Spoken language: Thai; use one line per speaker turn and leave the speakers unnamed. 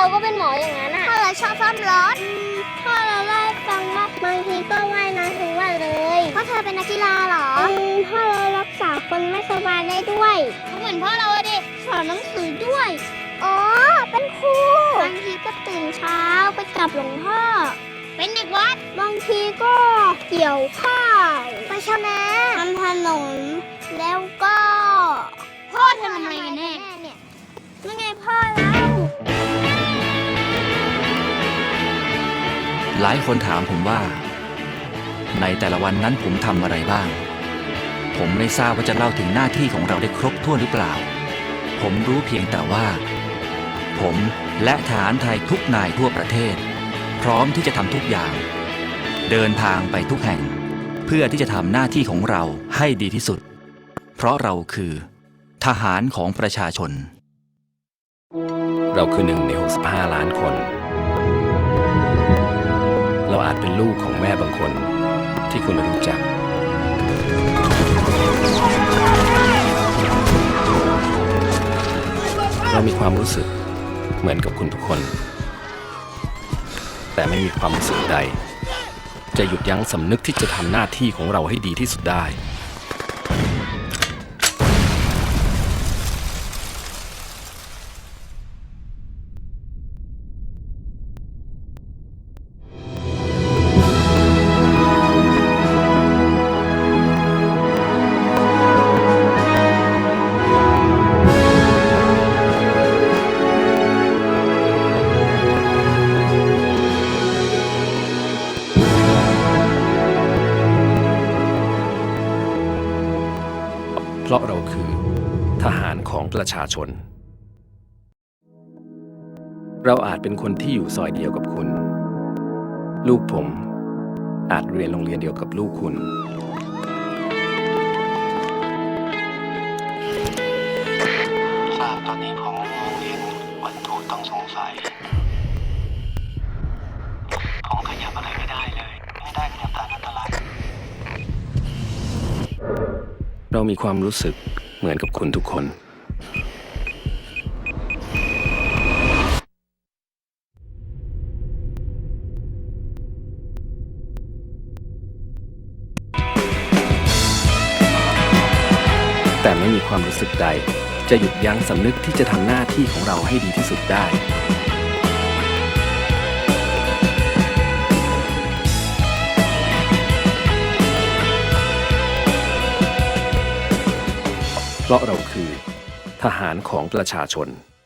ก็เป็นหมออย่างนั้นอ่ะพ่อเราชอบซ่อมรถพ่อเราเล่าให้ฟังว่าบางทีก็ว่ายน้ำทั้งวันเลยพ่อเธอเป็นนักกีฬาเหรอพ่อเรารักษาคนไม่สบายได้ด้วยเหมือนพ่อเราดิสอนหนังสือด้วยอ๋อเป็นครูบางทีก็ตื่นเช้าไปกับหลวงพ่อเป็นเด็กวัดบางทีก็เกี่ยวข้าวไปชาวนาทำถนนแล้วก็พ่อเธอทำอะไรกันแน่เนี่ยนั่นไงพ่อเรา
หลายคนถามผมว่าในแต่ละวันนั้นผมทำอะไรบ้างผมไม่ทราบว่าจะเล่าถึงหน้าที่ของเราได้ครบถ้วนหรือเปล่าผมรู้เพียงแต่ว่าผมและทหารไทยทุกนายทั่วประเทศพร้อมที่จะทำทุกอย่างเดินทางไปทุกแห่งเพื่อที่จะทำหน้าที่ของเราให้ดีที่สุดเพราะเราคือทหารของประชาชน
เราคือ1 ใน 65 ล้านคนเราอาจเป็นลูกของแม่บางคนที่คุณไม่รู้จักเรามีความรู้สึกเหมือนกับคุณทุกคนแต่ไม่มีความรู้สึกใดจะหยุดยั้งสำนึกที่จะทำหน้าที่ของเราให้ดีที่สุดได้เพราะเราคือทหารของประชาชนเราอาจเป็นคนที่อยู่ซอยเดียวกับคุณลูกผมอาจเรียนโรงเรียนเดียวกับลูกคุณ
ทราบตอนนี้ผมมองเห็นวัตถุต้องสงสัยผมขยับอะไรไม่ได้เลยไม่ได้ขยับตามอันตราย
เรามีความรู้สึกเหมือนกับคุณทุกคนแต่ไม่มีความรู้สึกใดจะหยุดยั้งสำนึกที่จะทำหน้าที่ของเราให้ดีที่สุดได้เพราะเราคือทหารของประชาชน